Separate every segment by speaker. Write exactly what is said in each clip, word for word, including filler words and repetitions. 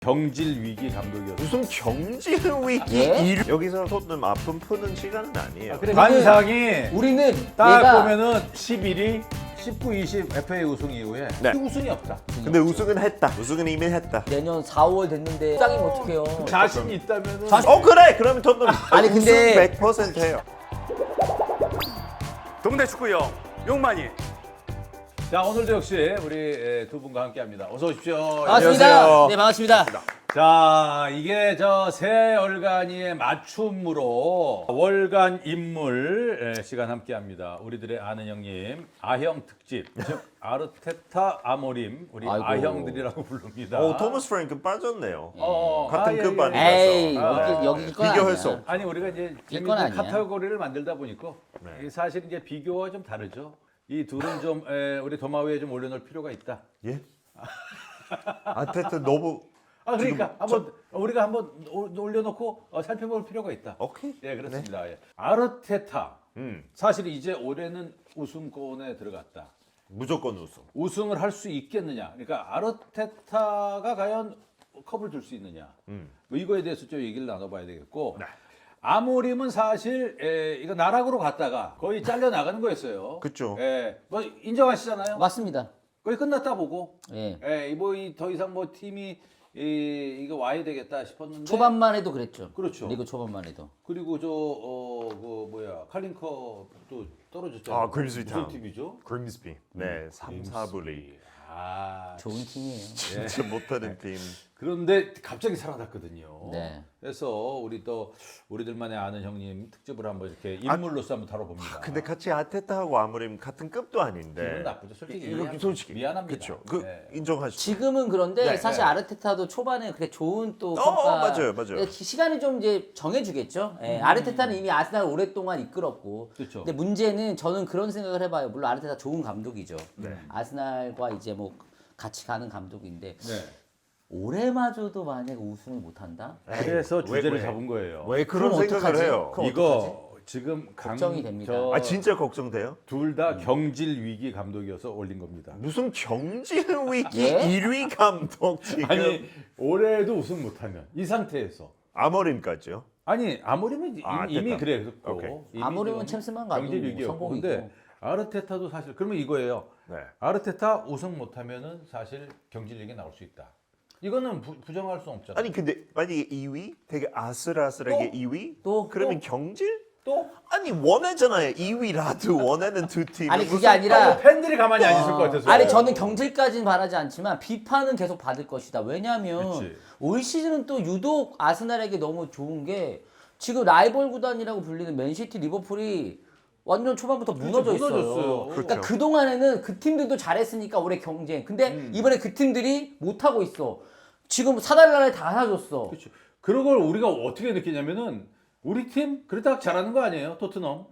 Speaker 1: 경질 위기 감독이었어요.
Speaker 2: 무슨 경질 위기
Speaker 3: 예?
Speaker 2: 일... 여기서 토트넘 아픔 푸는 시간은 아니에요.
Speaker 1: 아, 그래, 관상이
Speaker 3: 우리는
Speaker 1: 딱
Speaker 3: 얘가
Speaker 1: 보면은 십일 위, 십구, 이십 에프에이 우승 이후에
Speaker 2: 네.
Speaker 1: 우승이 없다.
Speaker 2: 근데 우승은 했다. 우승은 이미 했다.
Speaker 3: 내년 사월 됐는데 짱이면 어떡해요?
Speaker 1: 자신 있다면은
Speaker 2: 어 그래. 그러면 토트넘
Speaker 3: 아니,
Speaker 2: 우승
Speaker 3: 근데-
Speaker 2: 백 퍼센트 해요.
Speaker 4: 동네 축구형 용만이.
Speaker 1: 자, 오늘도 역시 우리 두 분과 함께합니다. 어서 오십시오.
Speaker 3: 반갑습니다.
Speaker 2: 안녕하세요.
Speaker 3: 네, 반갑습니다.
Speaker 1: 자, 이게 저 새 월간이의 맞춤으로 월간 인물 예, 시간 함께합니다. 우리들의 아는 형님 아형 특집, 즉 아르테타 아모림 우리
Speaker 3: 아이고.
Speaker 1: 아형들이라고 부릅니다.
Speaker 2: 오 토마스 프랭크 빠졌네요.
Speaker 1: 어,
Speaker 2: 같은
Speaker 1: 아,
Speaker 2: 급
Speaker 1: 예,
Speaker 2: 아니에요?
Speaker 1: 예.
Speaker 3: 에이,
Speaker 1: 아,
Speaker 3: 여기 여기 이건
Speaker 2: 비교할
Speaker 3: 아니야.
Speaker 2: 수 없-
Speaker 1: 아니 우리가 이제
Speaker 3: 이건
Speaker 1: 재밌는
Speaker 3: 아니야.
Speaker 1: 카테고리를 만들다 보니까
Speaker 2: 네.
Speaker 1: 이 사실 이제 비교와 좀 다르죠. 이 둘은 좀 에, 우리 도마 위에 좀 올려놓을 필요가 있다.
Speaker 2: 예? 아테트 너무
Speaker 1: 아 그러니까 한번 우리가 한번 오- 올려놓고 어, 살펴볼 필요가 있다.
Speaker 2: 오케이.
Speaker 1: 예, 그렇습니다. 예. 아르테타
Speaker 2: 음
Speaker 1: 사실 이제 올해는 우승권에 들어갔다.
Speaker 2: 무조건 우승.
Speaker 1: 우승을 할 수 있겠느냐? 그러니까 아르테타가 과연 컵을 들 수 있느냐?
Speaker 2: 음.
Speaker 1: 뭐 이거에 대해서 좀 얘기를 나눠봐야 되겠고.
Speaker 2: 네.
Speaker 1: 아모림은 사실 에, 이거 나락으로 갔다가 거의 잘려 나가는 거였어요.
Speaker 2: 그쵸.
Speaker 1: 예, 뭐 인정하시잖아요.
Speaker 3: 맞습니다.
Speaker 1: 거의 끝났다 보고.
Speaker 3: 예.
Speaker 1: 예, 뭐더 이상 뭐 팀이 이, 이거 와야 되겠다 싶었는데.
Speaker 3: 초반만 해도 그랬죠.
Speaker 1: 그렇죠.
Speaker 3: 리그 초반만 해도.
Speaker 1: 그리고 저어그 뭐야 칼링커도 떨어졌잖아요.
Speaker 2: 아, 그림스비
Speaker 1: 무슨
Speaker 2: 타운.
Speaker 1: 팀이죠?
Speaker 2: 그림스비. 네, 삼, 사 부 리그.
Speaker 1: 아,
Speaker 3: 좋은 팀이에요.
Speaker 2: 진짜 못하는 팀.
Speaker 1: 그런데 갑자기 살아났거든요.
Speaker 3: 네.
Speaker 1: 그래서 우리 또 우리들만의 아는 형님 특집을 한번 이렇게 인물로서 한번 다뤄봅니다.
Speaker 2: 근데 같이 아테타하고 아무림 같은 급도
Speaker 1: 기분
Speaker 2: 아닌데.
Speaker 1: 나쁘죠. 솔직히
Speaker 2: 이거
Speaker 1: 이해합니다.
Speaker 2: 솔직히
Speaker 1: 미안합니다.
Speaker 2: 그렇죠. 그
Speaker 1: 네.
Speaker 2: 인정하시죠.
Speaker 3: 지금은 그런데
Speaker 2: 네,
Speaker 3: 사실
Speaker 1: 네.
Speaker 3: 아르테타도 초반에 그래 좋은 또
Speaker 2: 어,
Speaker 3: 평가.
Speaker 2: 맞아요, 맞아요.
Speaker 3: 예, 시간이 좀 이제 정해주겠죠. 예, 아르테타는 이미 아스날 오랫동안 이끌었고.
Speaker 1: 음. 그렇죠.
Speaker 3: 근데 문제는 저는 그런 생각을 해봐요. 물론 아르테타 좋은 감독이죠.
Speaker 2: 네.
Speaker 3: 아스날과 이제 뭐 같이 가는 감독인데
Speaker 1: 네.
Speaker 3: 올해마저도 만약 우승을 못한다?
Speaker 1: 그래서
Speaker 2: 왜,
Speaker 1: 주제를
Speaker 2: 왜?
Speaker 1: 잡은 거예요.
Speaker 2: 왜 그런
Speaker 3: 그럼
Speaker 2: 생각을
Speaker 3: 어떡하지?
Speaker 2: 해요?
Speaker 3: 그럼
Speaker 1: 이거 지금 강,
Speaker 3: 걱정이 됩니다.
Speaker 1: 저-
Speaker 2: 아 진짜 걱정돼요?
Speaker 1: 둘 다 경질 위기 감독이어서 올린 겁니다.
Speaker 2: 무슨 경질 위기
Speaker 3: 예?
Speaker 2: 일 위 감독 지금
Speaker 1: 아니 올해도 우승 못하면 이 상태에서
Speaker 2: 아머림까지요?
Speaker 1: 아니 아모림은
Speaker 2: 아,
Speaker 1: 이미, 이미
Speaker 2: 됐다.
Speaker 1: 그랬고
Speaker 2: 오케이.
Speaker 1: 이미
Speaker 3: 아모림은
Speaker 1: 좀
Speaker 3: 챔스만 가도
Speaker 1: 경질 위기였고
Speaker 3: 성공이고.
Speaker 1: 근데 아르테타도 사실 그러면 이거예요.
Speaker 2: 네.
Speaker 1: 아르테타 우승 못하면은 사실 경질 위기 나올 수 있다. 이거는 부, 부정할 수 없잖아.
Speaker 2: 아니 근데 만약에 이 위 되게 아슬아슬하게
Speaker 1: 또?
Speaker 2: 이 위
Speaker 3: 또?
Speaker 2: 그러면 경질?
Speaker 1: 또
Speaker 2: 아니 원하잖아요. 이 위라도 원하는 두 팀.
Speaker 3: 아니 그게 아니라
Speaker 1: 팬들이 가만히 안 있을 것 같아서.
Speaker 3: 아니 저는 경질까지는 바라지 않지만 비판은 계속 받을 것이다. 왜냐하면
Speaker 1: 그치.
Speaker 3: 올 시즌은 또 유독 아스날에게 너무 좋은 게 지금 라이벌 구단이라고 불리는 맨시티, 리버풀이 완전 초반부터 무너져 있어요.
Speaker 1: 무너졌어요.
Speaker 3: 그러니까
Speaker 2: 그렇죠.
Speaker 3: 그 동안에는 그 팀들도 잘했으니까 올해 경쟁. 근데
Speaker 1: 음.
Speaker 3: 이번에 그 팀들이 못 하고 있어. 지금 사달라를 다 사줬어.
Speaker 1: 그렇죠. 그런 걸 우리가 어떻게 느끼냐면은 우리 팀 그렇다고 잘하는 거 아니에요? 토트넘.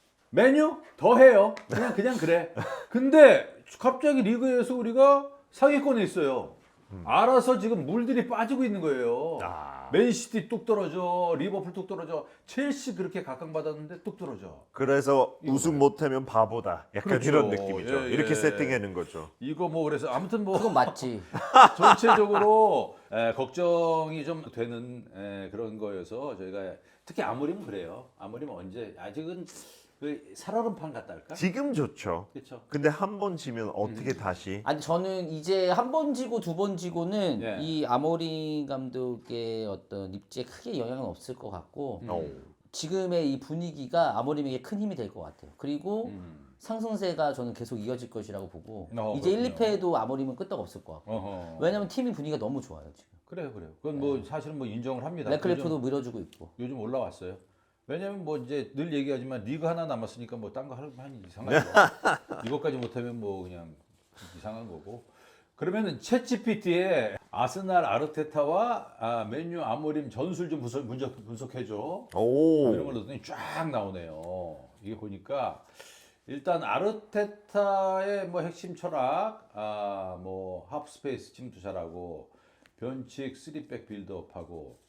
Speaker 1: 메뉴 더 해요. 그냥 그냥 그래. 근데 갑자기 리그에서 우리가 상위권에 있어요. 알아서 지금 물들이 빠지고 있는 거예요.
Speaker 2: 아.
Speaker 1: 맨시티 뚝 떨어져, 리버풀 뚝 떨어져, 첼시 그렇게 각광받았는데 뚝 떨어져.
Speaker 2: 그래서 우승 못하면 바보다. 약간
Speaker 1: 그렇죠.
Speaker 2: 이런 느낌이죠.
Speaker 1: 예, 예.
Speaker 2: 이렇게 세팅하는 거죠.
Speaker 1: 이거 뭐 그래서 아무튼 뭐
Speaker 3: 그건 맞지.
Speaker 1: 전체적으로 에, 걱정이 좀 되는 에, 그런 거여서 저희가 특히 아무리면 그래요. 아무리면 언제 아직은 그 살얼음판 같다 할까?
Speaker 2: 지금 좋죠.
Speaker 1: 그렇죠.
Speaker 2: 근데 한 번 지면 어떻게 다시?
Speaker 3: 아니 저는 이제 한 번 지고 두 번 지고는
Speaker 1: 예.
Speaker 3: 이 아모린 감독의 어떤 입지에 크게 영향은 없을 것 같고
Speaker 2: 어.
Speaker 3: 지금의 이 분위기가 아모림에게 큰 힘이 될 것 같아요. 그리고
Speaker 1: 음.
Speaker 3: 상승세가 저는 계속 이어질 것이라고 보고
Speaker 1: 어,
Speaker 3: 이제 일,
Speaker 1: 그렇군요.
Speaker 3: 이 패에도 아모림은 끄떡 없을 것 같고
Speaker 1: 어허.
Speaker 3: 왜냐면 팀이 분위기가 너무 좋아요 지금.
Speaker 1: 그래요, 그래요. 그건 뭐 사실은 뭐 인정을 합니다.
Speaker 3: 레클리프도
Speaker 1: 요즘,
Speaker 3: 밀어주고 있고.
Speaker 1: 요즘 올라왔어요. 왜냐면 뭐 이제 늘 얘기하지만 리그 하나 남았으니까 뭐 딴 거 하면 이상한 거. 이것까지 못하면 뭐 그냥 이상한 거고. 그러면은 챗지피티에 아스날 아르테타와 아, 맨유 아모림 전술 좀 분석, 분석, 분석해줘.
Speaker 2: 오.
Speaker 1: 이런 걸 넣더니 쫙 나오네요. 이게 보니까 일단 아르테타의 뭐 핵심 철학, 아 뭐 하프스페이스 침투 잘하고 변칙 쓰리백 빌드업하고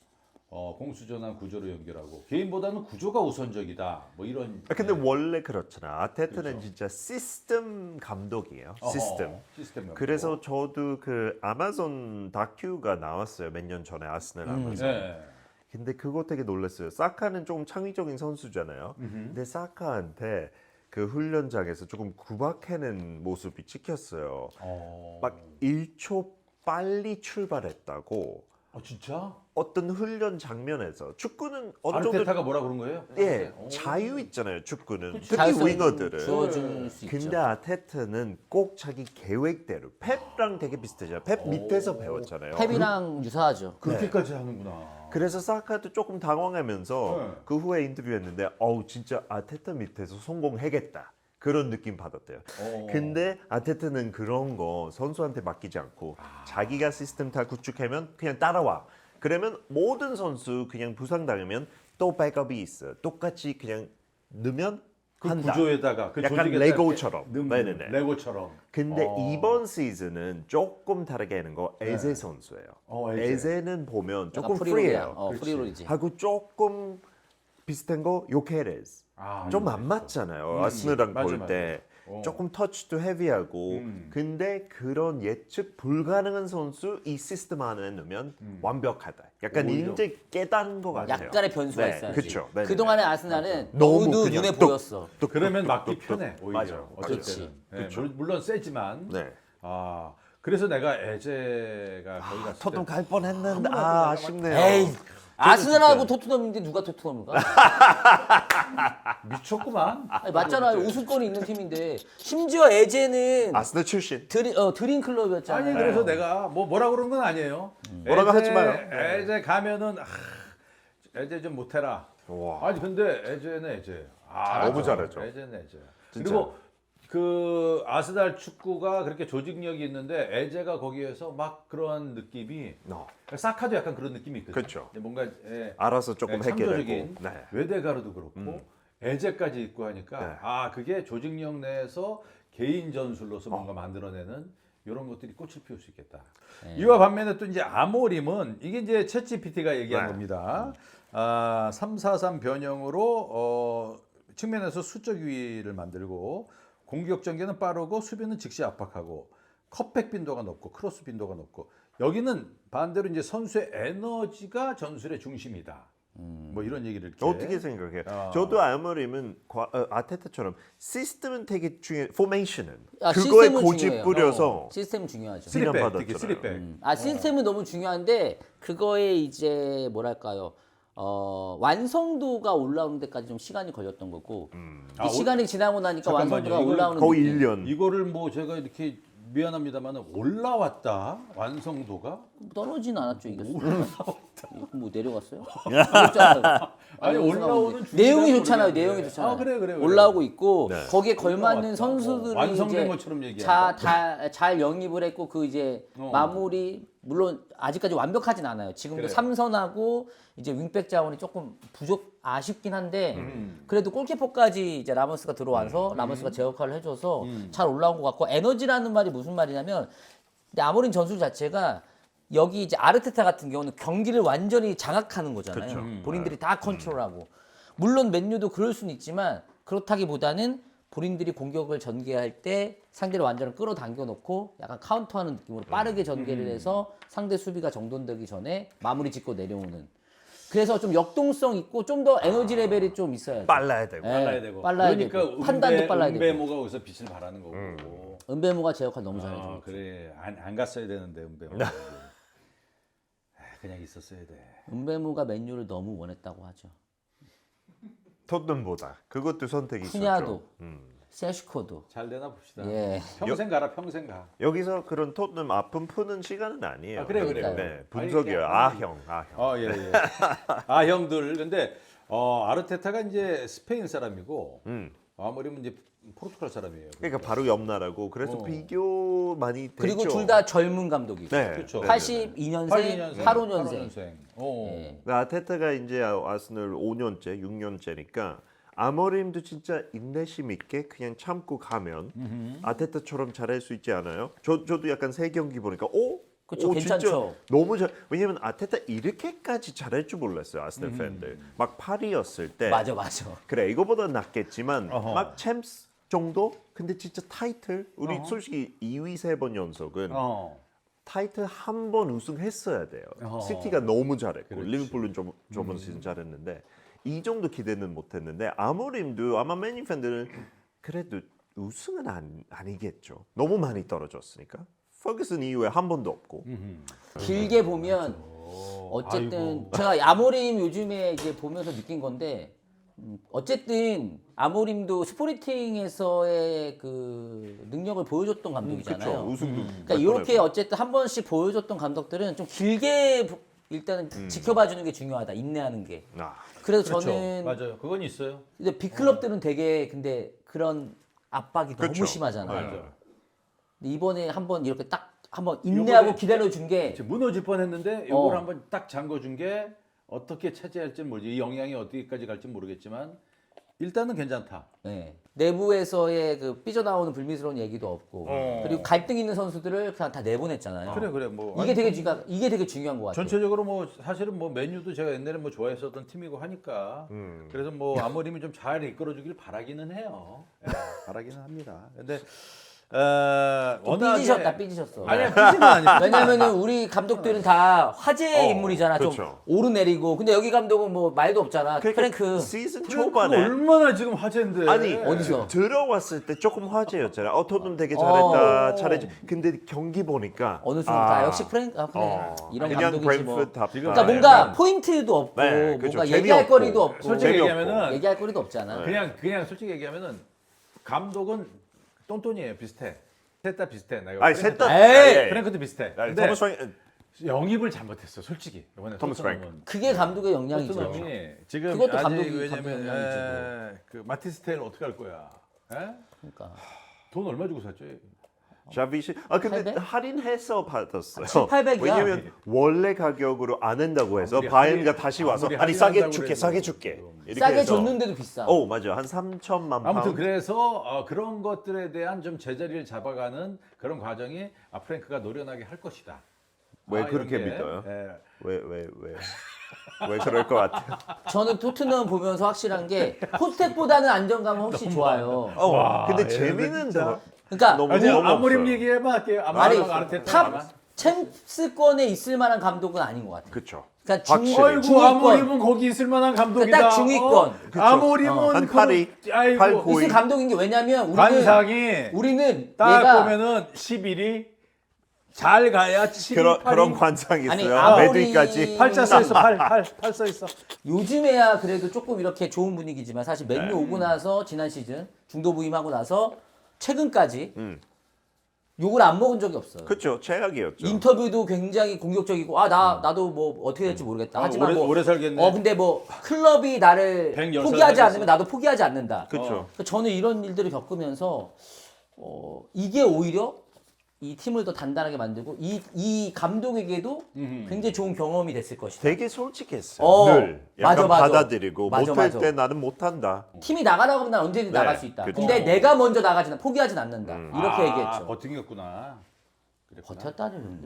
Speaker 1: 어, 공수전환 구조로 연결하고 개인보다는 구조가 우선적이다. 뭐 이런.
Speaker 2: 아, 근데 원래 그렇잖아. 아테트는
Speaker 1: 그렇죠.
Speaker 2: 진짜 시스템 감독이에요.
Speaker 1: 어허,
Speaker 2: 시스템.
Speaker 1: 시스템 감독.
Speaker 2: 그래서 저도 그 아마존 다큐가 나왔어요. 몇 년 전에 아스널 하면서.
Speaker 1: 네.
Speaker 2: 근데 그거 되게 놀랐어요. 사카는 조금 창의적인 선수잖아요. 근데 사카한테 그 훈련장에서 조금 구박하는 모습이 찍혔어요.
Speaker 1: 어.
Speaker 2: 막 일 초 빨리 출발했다고.
Speaker 1: 아 진짜?
Speaker 2: 어떤 훈련 장면에서 축구는 어느 정도
Speaker 1: 아르테타가 뭐라 그런 거예요?
Speaker 2: 예
Speaker 1: 오.
Speaker 2: 자유 있잖아요. 축구는
Speaker 3: 그치.
Speaker 2: 특히
Speaker 3: 자율성
Speaker 2: 윙어들은.
Speaker 3: 주어줄 수
Speaker 2: 근데
Speaker 3: 있죠.
Speaker 2: 아테트는 꼭 자기 계획대로 펩랑 되게 비슷해요. 펩 밑에서 배웠잖아요.
Speaker 3: 펩이랑 유사하죠.
Speaker 1: 그렇게까지 하는구나.
Speaker 2: 그래서 사카도 조금 당황하면서
Speaker 1: 네.
Speaker 2: 그 후에 인터뷰했는데 어우 진짜 아테트 밑에서 성공하겠다 그런 느낌 받았대요.
Speaker 1: 어.
Speaker 2: 근데 아테트는 그런 거 선수한테 맡기지 않고 자기가 시스템 다 구축하면 그냥 따라와. 그러면 모든 선수 그냥 부상당하면 또 백업이 있어. 똑같이 그냥 넣으면
Speaker 1: 그
Speaker 2: 한다.
Speaker 1: 구조에다가 그
Speaker 2: 약간
Speaker 1: 조직에다가
Speaker 2: 레고처럼.
Speaker 1: 이렇게 넣는,
Speaker 2: 네네네.
Speaker 1: 레고처럼.
Speaker 2: 근데
Speaker 1: 어.
Speaker 2: 이번 시즌은 조금 다르게 하는 거 에제 선수예요.
Speaker 1: 어, 에제.
Speaker 2: 에제는 보면
Speaker 3: 약간
Speaker 2: 조금
Speaker 3: 프리롤이야.
Speaker 2: 프리해요.
Speaker 3: 어,
Speaker 1: 그렇지.
Speaker 3: 프리롤이지.
Speaker 2: 하고 조금 비슷한 거 요케레스.
Speaker 1: 아,
Speaker 2: 좀
Speaker 1: 이거
Speaker 2: 안
Speaker 1: 있어.
Speaker 2: 맞잖아요.
Speaker 1: 음,
Speaker 2: 아스널랑
Speaker 1: 맞아,
Speaker 2: 볼
Speaker 1: 맞아.
Speaker 2: 때
Speaker 1: 어.
Speaker 2: 조금 터치도 헤비하고
Speaker 1: 음.
Speaker 2: 근데 그런 예측 불가능한 선수 이 시스템 안에 넣으면 완벽하다. 약간
Speaker 1: 음. 오히려.
Speaker 2: 이제 깨달은 것 같아요.
Speaker 3: 약간의 변수가
Speaker 2: 네,
Speaker 3: 있어야지.
Speaker 2: 그쵸. 네네네.
Speaker 3: 그동안의 아스날은
Speaker 2: 너무
Speaker 3: 너무
Speaker 2: 그냥
Speaker 3: 눈에
Speaker 2: 뚝,
Speaker 3: 보였어.
Speaker 2: 뚝,
Speaker 1: 그러면
Speaker 2: 뚝,
Speaker 1: 막기
Speaker 2: 뚝, 뚝.
Speaker 1: 편해 오히려.
Speaker 2: 맞아요.
Speaker 1: 어쩔
Speaker 3: 그치.
Speaker 1: 때는. 네, 물- 물론 세지만.
Speaker 2: 네.
Speaker 1: 아 그래서 내가 에제가 거기 갔을 때
Speaker 2: 토트넘 갈 뻔했는데
Speaker 1: 한
Speaker 2: 아
Speaker 1: 번도
Speaker 2: 아쉽네요.
Speaker 3: 에이, 아스날하고 토트넘인데 누가 토트넘인가?
Speaker 1: 미쳤구만.
Speaker 3: 아니, 맞잖아요. 우승권이 있는 팀인데 심지어 에제는
Speaker 2: 아스널 출신.
Speaker 3: 드림 어 드림 클럽이었잖아요.
Speaker 1: 아니 그래서 내가 뭐 뭐라 그런 건 아니에요.
Speaker 2: 뭐라고
Speaker 1: 에제-
Speaker 2: 하지 마요.
Speaker 1: 에제 가면은 아, 에제 좀 못해라.
Speaker 2: 와.
Speaker 1: 아니 근데 에제는 에제. 아,
Speaker 2: 너무 잘하죠.
Speaker 1: 에제는 에제.
Speaker 2: 진짜.
Speaker 1: 그리고 그 아스날 축구가 그렇게 조직력이 있는데 에제가 거기에서 막 그런 느낌이
Speaker 2: 어.
Speaker 1: 사카도 약간 그런 느낌이 있거든요.
Speaker 2: 그렇죠.
Speaker 1: 근데 뭔가 예,
Speaker 2: 알아서 조금
Speaker 1: 네,
Speaker 2: 해결하고.
Speaker 1: 창조적인
Speaker 2: 네.
Speaker 1: 외대가루도 그렇고 에제까지 있고 하니까
Speaker 2: 네.
Speaker 1: 아 그게 조직력 내에서 개인 전술로서
Speaker 2: 어.
Speaker 1: 뭔가 만들어내는 이런 것들이 꽃을 피울 수 있겠다.
Speaker 3: 네.
Speaker 1: 이와 반면에 또 이제 아모림은 이게 이제 챗지피티가 얘기한
Speaker 2: 네.
Speaker 1: 겁니다. 아, 삼 사삼 변형으로 어, 측면에서 수적 위를 만들고 공격 전개는 빠르고 수비는 즉시 압박하고 컵백 빈도가 높고 크로스 빈도가 높고 여기는 반대로 이제 선수의 에너지가 전술의 중심이다. 뭐 이런 얘기를 이렇게
Speaker 2: 어떻게 생각해요?
Speaker 1: 어.
Speaker 2: 저도 아무리면 과- 어, 아테타처럼 시스템은 되게 중요해. 포메이션은
Speaker 3: 아,
Speaker 2: 그거에
Speaker 3: 시스템은
Speaker 2: 고집
Speaker 3: 중요해요.
Speaker 2: 부려서
Speaker 3: 시스템 중요하죠.
Speaker 2: 쓰리-
Speaker 1: 쓰리백
Speaker 2: 받았잖아요.
Speaker 1: 특히 쓰리백.
Speaker 3: 음. 아 시스템은 너무 중요한데 그거에 이제 뭐랄까요? 어, 완성도가 올라오는 데까지 좀 시간이 걸렸던 거고 이
Speaker 1: 아, 올-
Speaker 3: 시간이 지나고 나니까
Speaker 1: 잠깐만요.
Speaker 3: 완성도가
Speaker 1: 이건
Speaker 3: 올라오는
Speaker 2: 거의
Speaker 3: 느낌.
Speaker 2: 일 년.
Speaker 1: 이거를 뭐 제가 이렇게 미안합니다만 올라왔다 완성도가
Speaker 3: 떨어지진 않았죠 이게. 이거 뭐 내려갔어요? 그렇잖아요.
Speaker 1: 아니, 올라오는 중이라고
Speaker 3: 내용이 좋잖아요.
Speaker 1: 그러는데.
Speaker 3: 내용이 좋잖아요.
Speaker 1: 아, 그래, 그래, 그래.
Speaker 3: 올라오고 있고
Speaker 2: 네.
Speaker 3: 거기에 걸맞는
Speaker 1: 올라왔다.
Speaker 3: 선수들이
Speaker 1: 어, 완성된
Speaker 3: 이제
Speaker 1: 것처럼 얘기한다.
Speaker 3: 자, 잘 영입을 했고 그 이제
Speaker 1: 어.
Speaker 3: 마무리 물론 아직까지 완벽하진 않아요. 지금도
Speaker 1: 그래요.
Speaker 3: 삼선하고 이제 윙백 자원이 조금 부족 아쉽긴 한데
Speaker 1: 음.
Speaker 3: 그래도 골키퍼까지 이제 라모스가 들어와서 라모스가 제 역할을 해줘서
Speaker 1: 음.
Speaker 3: 잘 올라온 것 같고 에너지라는 말이 무슨 말이냐면 근데 아모린 전술 자체가 여기 이제 아르테타 같은 경우는 경기를 완전히 장악하는 거잖아요.
Speaker 2: 그쵸.
Speaker 1: 음.
Speaker 3: 본인들이 다 컨트롤하고 물론 맨유도 그럴 수는 있지만 그렇다기보다는 본인들이 공격을 전개할 때 상대를 완전히 끌어당겨 놓고 약간 카운터하는 느낌으로 빠르게 전개를 해서 상대 수비가 정돈되기 전에 마무리 짓고 내려오는. 그래서 좀 역동성 있고 좀 더 에너지 레벨이 좀 있어야 돼.
Speaker 2: 빨라야 되고.
Speaker 3: 예,
Speaker 1: 빨라야 되고.
Speaker 3: 빨라야
Speaker 1: 그러니까
Speaker 3: 되고. 판단도 빨라야 되고.
Speaker 1: 은배모가 거기서 빛을 발하는 거고.
Speaker 3: 은배모가 제 역할 너무
Speaker 1: 아,
Speaker 3: 잘해줘.
Speaker 1: 그래 안, 안 갔어야 되는데 은배모. 그냥 있었어야 돼.
Speaker 3: 은배모가 맨유를 너무 원했다고 하죠.
Speaker 2: 토트넘보다 그것도 선택이 있었죠.
Speaker 3: 푸냐도,
Speaker 2: 음.
Speaker 3: 세슈코도.
Speaker 1: 잘 되나 봅시다.
Speaker 3: 예.
Speaker 1: 평생 가라 평생 가.
Speaker 2: 여기서 그런 토트넘 아픔 푸는 시간은 아니에요.
Speaker 1: 아, 그래요, 그래요.
Speaker 2: 네, 분석이에요. 아형, 아형.
Speaker 1: 어, 예, 예. 아, 형들. 근데 어, 아르테타가 이제 스페인 사람이고
Speaker 2: 음.
Speaker 1: 아무리면 이제 포르투갈 사람이에요.
Speaker 2: 그러니까 바로 옆 나라고 그래서
Speaker 1: 어.
Speaker 2: 비교 많이 됐죠.
Speaker 3: 그리고 둘 다 젊은 감독이고.
Speaker 2: 네,
Speaker 1: 그렇죠.
Speaker 2: 네, 네, 네.
Speaker 3: 팔십이 년생,
Speaker 1: 팔십이 년생,
Speaker 3: 팔십오 년생.
Speaker 1: 년생. 어.
Speaker 3: 예.
Speaker 2: 그 아테타가 이제 아스널 오 년째, 육 년째니까 아모림도 진짜 인내심 있게 그냥 참고 가면 아테타처럼 잘할 수 있지 않아요? 저 저도 약간 세 경기 보니까 오
Speaker 3: 그쵸,
Speaker 2: 오,
Speaker 3: 괜찮죠.
Speaker 2: 진짜 너무 잘. 왜냐면 아테타 이렇게까지 잘할 줄 몰랐어요. 아스널
Speaker 3: 음.
Speaker 2: 팬들. 막 팔이었을 때.
Speaker 3: 맞아 맞아.
Speaker 2: 그래 이거보다 낫겠지만
Speaker 1: 어허.
Speaker 2: 막 챔스 정도? 근데 진짜 타이틀 우리 솔직히 이 위 세 번 연속은
Speaker 1: 어.
Speaker 2: 타이틀 한 번 우승했어야 돼요.
Speaker 1: 어허.
Speaker 2: 시티가 너무 잘했고
Speaker 1: 그렇지.
Speaker 2: 리버풀은 좀 저번 시즌 잘했는데 이 정도 기대는 못했는데 아모림도 아마 맨유 팬들은 그래도 우승은 안, 아니겠죠. 너무 많이 떨어졌으니까. 퍼거슨 이후에 한 번도 없고.
Speaker 3: 길게 보면 어쨌든
Speaker 1: 아이고.
Speaker 3: 제가 아모림 요즘에 이제 보면서 느낀 건데 음, 어쨌든 아모림도 스포르팅에서의 그 능력을 보여줬던 감독이잖아요.
Speaker 2: 그렇죠. 우승도.
Speaker 3: 그러니까 이렇게 어쨌든 한 번씩 보여줬던 감독들은 좀 길게 보- 일단은 지켜봐 주는 게 중요하다. 인내하는 게.
Speaker 2: 아,
Speaker 3: 그래서
Speaker 1: 그렇죠.
Speaker 3: 저는
Speaker 1: 맞아요. 그건 있어요.
Speaker 3: 근데 빅클럽들은 되게 근데 그런 압박이 너무
Speaker 2: 그렇죠.
Speaker 3: 심하잖아요.
Speaker 2: 맞아요.
Speaker 3: 근데 이번에 한번 이렇게 딱 한번 인내하고
Speaker 1: 요번에-
Speaker 3: 기다려 준 게
Speaker 1: 지금 무너질 뻔했는데 이걸
Speaker 3: 어.
Speaker 1: 한번 딱 잠궈준 게 어떻게 차지할지 모르지. 이 영향이 어디까지 갈지 모르겠지만 일단은 괜찮다.
Speaker 3: 네. 내부에서의 그 삐져나오는 불미스러운 얘기도 없고
Speaker 1: 어.
Speaker 3: 그리고 갈등 있는 선수들을 그냥 다 내보냈잖아요.
Speaker 1: 그래 그래 뭐
Speaker 3: 이게
Speaker 1: 아니,
Speaker 3: 되게 중요 이게 되게 중요한 것 같아요.
Speaker 1: 전체적으로 뭐 사실은 뭐 맨유도 제가 옛날에 뭐 좋아했었던 팀이고 하니까
Speaker 2: 음.
Speaker 1: 그래서 뭐 아모림이 좀 잘 이끌어주길 바라기는 해요. 예, 바라기는 합니다. 근데 어,
Speaker 3: 좀
Speaker 1: 워낙에-
Speaker 3: 삐지셨다 삐지셨어.
Speaker 1: 아니야 삐지는 아니야.
Speaker 3: 왜냐면은 우리 감독들은 다 화제의
Speaker 2: 어,
Speaker 3: 인물이잖아. 좀
Speaker 2: 그렇죠.
Speaker 3: 오르내리고. 근데 여기 감독은 뭐 말도 없잖아. 프랭크.
Speaker 2: 시즌
Speaker 1: 프랭크가
Speaker 2: 초반에
Speaker 1: 얼마나 지금 화제인데.
Speaker 2: 아니
Speaker 3: 어디서?
Speaker 2: 들어왔을 때 조금 화제였잖아요. 어 토트넘 되게 잘했다,
Speaker 3: 어.
Speaker 2: 잘했지. 근데 경기 보니까
Speaker 3: 어느 순간부터 아, 역시 프랭크 아, 그래.
Speaker 2: 어,
Speaker 3: 이런
Speaker 2: 그냥
Speaker 3: 감독이지 뭐.
Speaker 2: 브랜프드 답다.
Speaker 3: 그러니까 뭔가 포인트도 없고
Speaker 2: 네, 그렇죠.
Speaker 3: 뭔가
Speaker 2: 재미없고.
Speaker 3: 얘기할 거리도 없고
Speaker 1: 솔직히
Speaker 2: 재미없고.
Speaker 1: 얘기하면은
Speaker 3: 얘기할 거리도 없잖아.
Speaker 1: 그냥 그냥 솔직히 얘기하면은 감독은 똔똔이에요. 비슷해. 셋 다 비슷해. 내가
Speaker 2: 아니
Speaker 1: 프랭크도-
Speaker 2: 셋다
Speaker 3: 에이!
Speaker 1: 프랭크도 비슷해.
Speaker 2: 아니,
Speaker 1: 근데
Speaker 2: 토마스 프랭크
Speaker 1: 영입을 잘못했어. 솔직히 이번에
Speaker 2: 토마스
Speaker 1: 토트넘은.
Speaker 3: 그게 감독의 영향이죠.
Speaker 1: 토트넘이 지금
Speaker 3: 그것도
Speaker 1: 아직
Speaker 3: 감독이
Speaker 1: 왜냐면
Speaker 3: 감독 영향이지,
Speaker 1: 에, 그 마티스 테일 어떻게 할 거야? 에?
Speaker 3: 그러니까
Speaker 1: 돈 얼마 주고 샀지?
Speaker 2: 자비시 아 근데
Speaker 3: 팔백?
Speaker 2: 할인해서 받았어요.
Speaker 3: 칠, 팔백이야?
Speaker 2: 왜냐면 원래 가격으로 안 한다고 해서
Speaker 1: 아무리
Speaker 2: 바이언가
Speaker 1: 할인-
Speaker 2: 다시 와서
Speaker 1: 아무리
Speaker 2: 아니 싸게
Speaker 1: 할인한다고
Speaker 2: 줄게
Speaker 1: 그래도
Speaker 2: 싸게 줄게 이렇게
Speaker 3: 싸게
Speaker 2: 해서.
Speaker 3: 줬는데도 비싸.
Speaker 2: 오 맞아 한 삼천만 파운드.
Speaker 1: 아무튼 그래서 어, 그런 것들에 대한 좀 제자리를 잡아가는 그런 과정이 아, 프랭크가 노련하게 할 것이다.
Speaker 2: 왜
Speaker 1: 아, 이런
Speaker 2: 그렇게
Speaker 1: 게,
Speaker 2: 믿어요?
Speaker 1: 예.
Speaker 2: 왜 왜 왜 왜 그럴 것 같아요?
Speaker 3: 저는 토트넘 보면서 확실한 게 포스텍보다는 안정감은 훨씬 좋아요.
Speaker 2: 어,
Speaker 1: 와,
Speaker 2: 근데
Speaker 1: 얘네들
Speaker 2: 재미는
Speaker 1: 진짜.
Speaker 2: 더
Speaker 3: 그러니까
Speaker 2: 너무
Speaker 1: 아니,
Speaker 2: 너무
Speaker 1: 아무림
Speaker 2: 없어요.
Speaker 1: 얘기해봐 할게요.
Speaker 3: 아니
Speaker 1: 아무림 아르테타
Speaker 3: 탑 챔스권에 있을 만한 감독은 아닌 것 같아요.
Speaker 2: 그렇죠.
Speaker 3: 그러니까 중,
Speaker 2: 확실히.
Speaker 1: 아이고
Speaker 3: 중위권.
Speaker 1: 아모림은 거기 있을 만한 감독이다.
Speaker 3: 딱 중위권.
Speaker 1: 어? 아모림은
Speaker 2: 한
Speaker 1: 그-
Speaker 2: 팔이,
Speaker 1: 아이고
Speaker 2: 팔 고.
Speaker 3: 있을 감독인 게 왜냐면 우리는
Speaker 1: 관상이
Speaker 3: 우리는
Speaker 1: 딱
Speaker 3: 얘가
Speaker 1: 보면은 십일이 잘 가야 칠 위,
Speaker 2: 그런
Speaker 1: 팔 위.
Speaker 2: 그런 관상이
Speaker 3: 아니,
Speaker 2: 있어요.
Speaker 3: 아무리-
Speaker 2: 매드까지.
Speaker 1: 팔자 써 있어. 팔, 팔, 팔 써 있어.
Speaker 3: 요즘에야 그래도 조금 이렇게 좋은 분위기지만 사실 맨유
Speaker 2: 네.
Speaker 3: 오고 나서 지난 시즌 중도 부임하고 나서 최근까지
Speaker 2: 음.
Speaker 3: 욕을 안 먹은 적이 없어요.
Speaker 2: 그렇죠. 최악이었죠.
Speaker 3: 인터뷰도 굉장히 공격적이고 아 나 나도 뭐 어떻게 될지 모르겠다.
Speaker 1: 아,
Speaker 3: 하지만
Speaker 1: 오래-
Speaker 3: 뭐
Speaker 1: 오래 살겠네.
Speaker 3: 어 근데 뭐 클럽이 나를
Speaker 1: 백십 살
Speaker 3: 포기하지
Speaker 1: 살겠어.
Speaker 3: 않으면 나도 포기하지 않는다.
Speaker 2: 그렇죠.
Speaker 3: 그러니까 저는 이런 일들을 겪으면서 어 이게 오히려 이 팀을 더 단단하게 만들고 이 이 감독에게도 굉장히 좋은 경험이 됐을 것이다.
Speaker 2: 되게 솔직했어요.
Speaker 3: 어,
Speaker 2: 늘 약간
Speaker 3: 맞아, 맞아.
Speaker 2: 받아들이고
Speaker 3: 맞아,
Speaker 2: 못할
Speaker 3: 맞아.
Speaker 2: 때 나는 못한다.
Speaker 3: 팀이 나가라고 하면 난 언제든
Speaker 2: 네,
Speaker 3: 나갈 수 있다.
Speaker 2: 그쵸.
Speaker 3: 근데 내가 먼저 나가지 포기하진 않는다. 이렇게
Speaker 1: 아,
Speaker 3: 얘기했죠.
Speaker 1: 버틴겠구나. 그랬구나.
Speaker 3: 버텼다는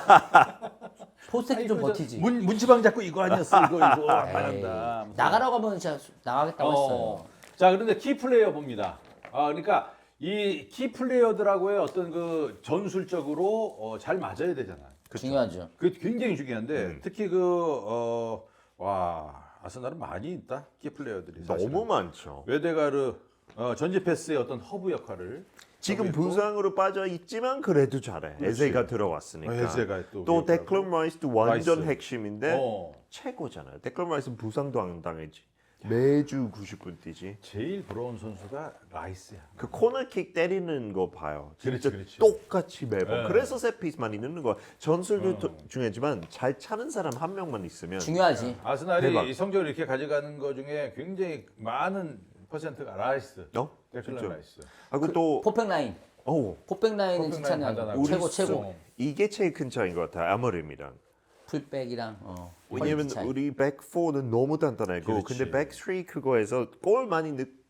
Speaker 3: 포스텍이 좀
Speaker 1: 아이고, 저
Speaker 3: 버티지.
Speaker 1: 문, 문지방 잡고 이거 아니었어. 이거 이거 안
Speaker 3: 에이,
Speaker 1: 한다.
Speaker 3: 나가라고 하면 진짜 나가겠다고 했어요.
Speaker 1: 어. 자, 그런데 키 플레이어 봅니다. 아, 그러니까 이 키 플레이어들하고의 어떤 그 전술적으로 어, 잘 맞아야 되잖아.
Speaker 3: 중요하죠.
Speaker 1: 그게 굉장히 중요한데
Speaker 2: 음.
Speaker 1: 특히 그 어, 와, 아스날은 많이 있다. 키 플레이어들이 사실은.
Speaker 2: 너무 많죠.
Speaker 1: 웨데가르 어, 전지 패스의 어떤 허브 역할을
Speaker 2: 지금
Speaker 1: 하고 있고.
Speaker 2: 부상으로 빠져 있지만 그래도 잘해. 에제가 들어왔으니까.
Speaker 1: 어, 에제가 또
Speaker 2: 또
Speaker 1: 기억하고.
Speaker 2: 데클런 라이스도 완전
Speaker 1: 라이스.
Speaker 2: 핵심인데
Speaker 1: 어.
Speaker 2: 최고잖아요. 데클런 라이스는 부상도 안 당했지. 매주 구십 분 뛰지.
Speaker 1: 제일 부러운 선수가 라이스야.
Speaker 2: 그 코너킥 때리는 거 봐요. 진짜
Speaker 1: 그렇지, 그렇지.
Speaker 2: 똑같이 매번.
Speaker 1: 네.
Speaker 2: 그래서 세피스 많이 넣는 거. 전술도 도- 중요하지만 잘 차는 사람 한 명만 있으면
Speaker 3: 중요하지.
Speaker 1: 아스날이
Speaker 2: 대박.
Speaker 1: 이 성적을 이렇게 가져가는 거 중에 굉장히 많은 퍼센트가 라이스.
Speaker 2: 어?
Speaker 1: 데클런
Speaker 2: 진짜.
Speaker 1: 라이스.
Speaker 2: 하고 또
Speaker 3: 포백 라인.
Speaker 2: 오,
Speaker 3: 포백 라인은
Speaker 1: 포백
Speaker 3: 진짜
Speaker 1: 라인
Speaker 3: 그냥
Speaker 1: 단단하고.
Speaker 3: 최고
Speaker 1: 우리
Speaker 3: 최고.
Speaker 1: 수-
Speaker 2: 이게 제일 큰 차이인 것 같아요. 아머림이랑.
Speaker 3: 풀백이랑 어.
Speaker 2: 왜냐면
Speaker 3: 퀄리티 차이.
Speaker 2: 우리 백사는 너무 단단하고
Speaker 1: 그렇지.
Speaker 2: 근데 백삼 그거에서 골 많이 넣,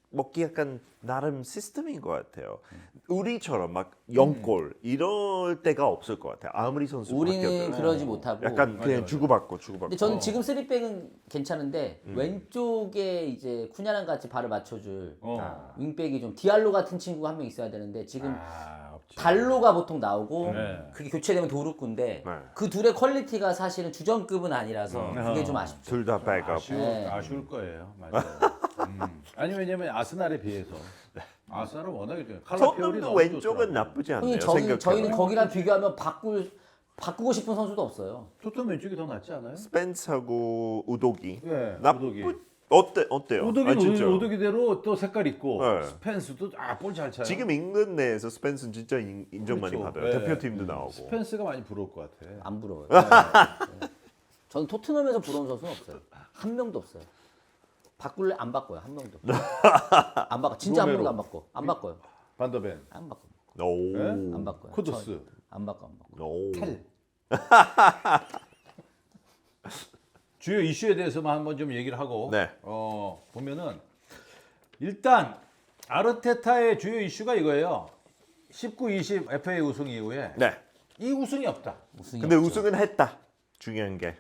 Speaker 2: 먹기 약간 나름 시스템인 것 같아요. 우리처럼 막 영골 이럴 때가 없을 것 같아요. 아무리 선수
Speaker 3: 우리는
Speaker 2: 바뀌어도
Speaker 3: 그러지 못하고.
Speaker 2: 약간 그냥
Speaker 1: 맞아.
Speaker 2: 주고받고 주고받고.
Speaker 3: 근데 저는 지금 쓰리백은 괜찮은데 왼쪽에 이제 쿠냐랑 같이 발을 맞춰줄
Speaker 1: 어.
Speaker 3: 윙백이 좀 디알로 같은 친구가 한 명 있어야 되는데 지금
Speaker 1: 아, 없지.
Speaker 3: 달로가 보통 나오고
Speaker 1: 네.
Speaker 3: 그게 교체되면 도루꾼데
Speaker 2: 네.
Speaker 3: 그 둘의 퀄리티가 사실은 주전급은 아니라서 그게 좀 아쉽죠.
Speaker 2: 둘 다 백업.
Speaker 1: 아쉬울,
Speaker 3: 네.
Speaker 1: 아쉬울 거예요. 맞아요. 음. 아니 왜냐면 아스날에 비해서 아스날은 워낙에 좀
Speaker 2: 토트넘도 왼쪽은 나쁘지 않네요.
Speaker 3: 형님 저희,
Speaker 2: 생각해보면.
Speaker 3: 저희는 거기랑 비교하면 바꿀 바꾸고 싶은 선수도 없어요.
Speaker 1: 토트넘 왼쪽이 더 낫지 않아요?
Speaker 2: 스펜스하고 우도기.
Speaker 1: 네,
Speaker 2: 나쁘
Speaker 1: 우도기.
Speaker 2: 어때 어때요?
Speaker 1: 오도기
Speaker 2: 아, 진짜.
Speaker 1: 오도기대로 또 색깔 있고
Speaker 2: 네.
Speaker 1: 스펜스도 아볼 잘 차요.
Speaker 2: 지금 잉글랜드 내에서 스펜스는 진짜 인, 인정 많이
Speaker 1: 그렇죠.
Speaker 2: 받아요.
Speaker 1: 네.
Speaker 2: 대표팀도 나오고.
Speaker 1: 스펜스가 많이 부러울 것 같아.
Speaker 3: 안 부러워요. 네. 저는 토트넘에서 부러운 선수는 없어요. 한 명도 없어요. 바꿀래 안 바꿔요. 한 명도. 안 바꿔. 진짜 한
Speaker 1: 로메로.
Speaker 3: 명도 안 바꿔. 안 바꿔요.
Speaker 1: 반더벤,
Speaker 3: 안 바꿔.
Speaker 2: 오.
Speaker 1: 네?
Speaker 3: 안 바꿔요.
Speaker 1: 코드스,
Speaker 3: 저- 안 바꿔. 안 바꿔.
Speaker 2: 오.
Speaker 1: 탈. 주요 이슈에 대해서만 한번 좀 얘기를 하고
Speaker 2: 네.
Speaker 1: 어, 보면은 일단 아르테타의 주요 이슈가 이거예요. 십구 이십 에프에이 우승 이후에
Speaker 2: 네.
Speaker 1: 이 우승이 없다.
Speaker 3: 우승이
Speaker 2: 근데
Speaker 3: 없죠.
Speaker 2: 우승은 했다. 중요한 게.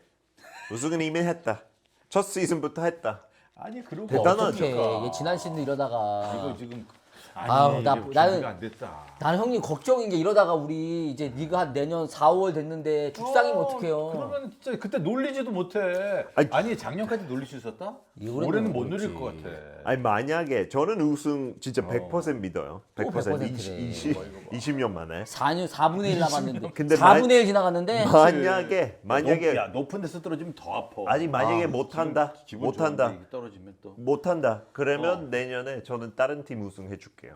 Speaker 2: 우승은 이미 했다. 첫 시즌부터 했다.
Speaker 1: 아니 그러고
Speaker 2: 대단하죠.
Speaker 3: 어떡해.
Speaker 1: 어떡합니까?
Speaker 3: 얘 지난 시즌 이러다가
Speaker 1: 이거 지금 아니
Speaker 3: 아우, 나-
Speaker 1: 이게
Speaker 3: 나는-
Speaker 1: 준비가 안 됐다.
Speaker 3: 나는 형님 걱정인 게 이러다가 우리 이제 리가 한 내년 사월 됐는데 죽상이면
Speaker 1: 어,
Speaker 3: 어떡해요.
Speaker 1: 그러면 진짜 그때 놀리지도 못해.
Speaker 2: 아니,
Speaker 1: 아니, 작년까지 놀릴 수 있었다?
Speaker 3: 올해는
Speaker 1: 올해는 못
Speaker 3: 모르지.
Speaker 1: 놀릴 것 같아.
Speaker 2: 아니 만약에 저는 우승 진짜
Speaker 1: 어.
Speaker 2: 백 퍼센트 믿어요. 백 퍼센트
Speaker 3: 백 퍼센트래.
Speaker 2: 이십, 이십 년 만에.
Speaker 3: 사 년 사분의 일 남았는데
Speaker 2: 근데
Speaker 3: 사분의 일 지나갔는데
Speaker 2: 만약에 만약에
Speaker 1: 높, 야, 높은 데서 떨어지면 더 아파.
Speaker 2: 아니 만약에
Speaker 1: 아,
Speaker 2: 못한다.
Speaker 1: 기분- 기분
Speaker 2: 못한다.
Speaker 1: 좋은데 떨어지면 또.
Speaker 2: 못한다. 그러면
Speaker 1: 어.
Speaker 2: 내년에 저는 다른 팀 우승해 줄게요.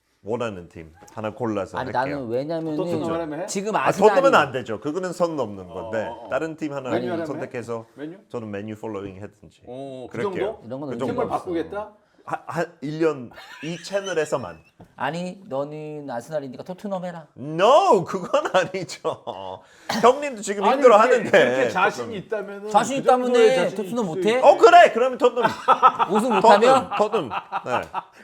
Speaker 2: 원하는 팀 하나 골라서
Speaker 3: 아니
Speaker 2: 할게요.
Speaker 3: 나는 왜냐면은
Speaker 1: 토트넘 하려면 해?
Speaker 3: 지금
Speaker 2: 아,
Speaker 3: 아스날이
Speaker 2: 토트넘은 안 되죠. 그거는 선 넘는 건데
Speaker 1: 어, 어.
Speaker 2: 다른 팀 하나
Speaker 1: 메뉴 하려면
Speaker 2: 선택해서
Speaker 1: 메뉴?
Speaker 2: 저는 메뉴 폴로잉 했든지.
Speaker 1: 어, 그
Speaker 2: 그럴게요.
Speaker 1: 정도?
Speaker 3: 이런 거는
Speaker 2: 그 정도.
Speaker 1: 팀을
Speaker 3: 없어.
Speaker 1: 바꾸겠다?
Speaker 2: 한 일 년 이 채널에서만.
Speaker 3: 아니 너는 아스날이니까 토트넘 해라.
Speaker 2: No, 그건 아니죠. 형님도 지금
Speaker 1: 아니,
Speaker 2: 힘들어
Speaker 1: 그렇게-
Speaker 2: 하는데.
Speaker 1: 그렇게 자신이 있다면
Speaker 3: 자신 있다면 해. 토트넘 못해?
Speaker 2: 어 그래. 그러면 토트넘.
Speaker 3: 우승
Speaker 2: 토트넘.
Speaker 3: 못하면
Speaker 2: 토트넘. 네.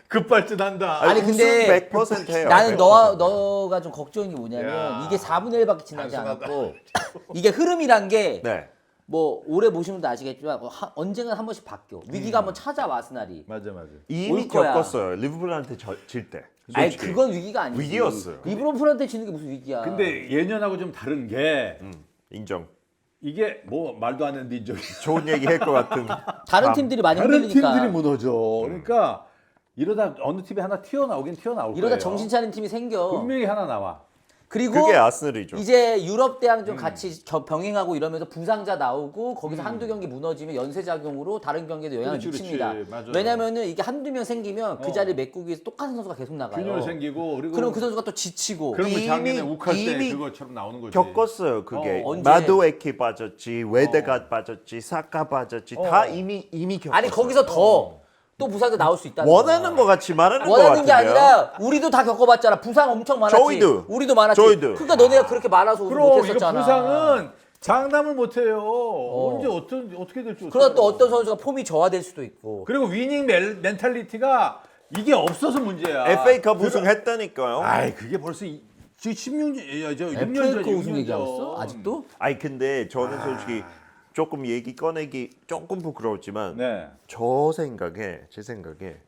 Speaker 1: 급발진한다.
Speaker 3: 아니,
Speaker 2: 우승
Speaker 3: 근데
Speaker 2: 백 퍼센트 해요.
Speaker 3: 나는
Speaker 2: 백
Speaker 3: 너와
Speaker 2: 퍼센트.
Speaker 3: 너가 좀 걱정인 게 뭐냐면
Speaker 1: 야.
Speaker 3: 이게 사분의 일밖에 지나지
Speaker 1: 단순하다.
Speaker 3: 않았고 이게 흐름이란 게
Speaker 2: 네.
Speaker 3: 뭐 오래 보시면 도 아시겠지만 뭐 하- 언젠가 한 번씩 바뀌어. 위기가 한번 찾아와 아스날이.
Speaker 1: 맞아, 맞아.
Speaker 2: 이미
Speaker 3: 올 거야.
Speaker 2: 겪었어요. 리버풀한테 저- 질 때.
Speaker 3: 아니
Speaker 2: 솔직히.
Speaker 3: 그건 위기가 아니지.
Speaker 2: 위기였어요.
Speaker 3: 리브론프한테 지는 게 무슨 위기야.
Speaker 1: 근데 예년하고 좀 다른 게
Speaker 2: 음, 인정.
Speaker 1: 이게 뭐 말도 안 되는 인정이
Speaker 2: 좋은 얘기 할 것 같은.
Speaker 3: 다른
Speaker 2: 감.
Speaker 3: 팀들이 많이
Speaker 1: 다른
Speaker 3: 흔들리니까.
Speaker 1: 팀들이 무너져. 그러니까 이러다 어느 팀이 하나 튀어나오긴 튀어나올 거예요.
Speaker 3: 이러다 정신 차린 팀이 생겨.
Speaker 1: 분명히 하나 나와.
Speaker 3: 그리고
Speaker 2: 그게 아스널이죠.
Speaker 3: 이제 유럽 대항
Speaker 1: 음.
Speaker 3: 좀 같이 겨- 병행하고 이러면서 부상자 나오고 거기서 한두 경기 무너지면 연쇄 작용으로 다른 경기에도 영향을
Speaker 1: 그렇지,
Speaker 3: 미칩니다.
Speaker 1: 그렇지. 맞아요.
Speaker 3: 왜냐면은 이게 한두 명 생기면 그
Speaker 1: 어.
Speaker 3: 자리를 메꾸기 위해서 똑같은 선수가 계속 나가요.
Speaker 1: 균열 생기고 그리고
Speaker 3: 그럼 그 선수가 또 지치고.
Speaker 1: 그러면
Speaker 2: 이미-
Speaker 1: 작년에 욱할 때
Speaker 2: 이미
Speaker 1: 그것처럼 나오는 거지.
Speaker 2: 겪었어요. 그게
Speaker 1: 어,
Speaker 3: 언제?
Speaker 2: 마도에키 빠졌지, 웨데가 빠졌지, 사카 빠졌지, 다
Speaker 1: 어.
Speaker 2: 이미 이미 겪었어요.
Speaker 3: 아니 거기서 더 또 부상자 나올 수 있다는
Speaker 2: 원하는
Speaker 3: 거야.
Speaker 2: 것 같이 말하는 것
Speaker 3: 원하는 게
Speaker 2: 같은데요.
Speaker 3: 아니라 우리도 다 겪어봤잖아. 부상 엄청 많았지.
Speaker 2: 저희도.
Speaker 3: 우리도 많았지.
Speaker 2: 저희도.
Speaker 3: 그러니까 너네가 그렇게 많아서 우승
Speaker 1: 그럼 이거
Speaker 3: 못했었잖아.
Speaker 1: 부상은 장담을 못 해요. 언제 어떤 어떻게 될지.
Speaker 3: 그러다 또
Speaker 1: 어떡해요.
Speaker 3: 어떤 선수가 폼이 저하될 수도 있고.
Speaker 1: 그리고 위닝 멜, 멘탈리티가 이게 없어서 문제야.
Speaker 2: 에프에이컵
Speaker 1: 들어-
Speaker 2: 우승했다니까요.
Speaker 1: 아이 그게 벌써 이, 지금 십육 년, 야, 저 육 년 전,
Speaker 3: 에프에이컵
Speaker 1: 육
Speaker 3: 우승
Speaker 1: 년
Speaker 3: 얘기하고
Speaker 1: 전.
Speaker 3: 있어? 아직도?
Speaker 2: 아니 근데 저는 솔직히 조금 얘기 꺼내기 조금 부끄러웠지만
Speaker 1: 네.
Speaker 2: 저 생각에 제 생각에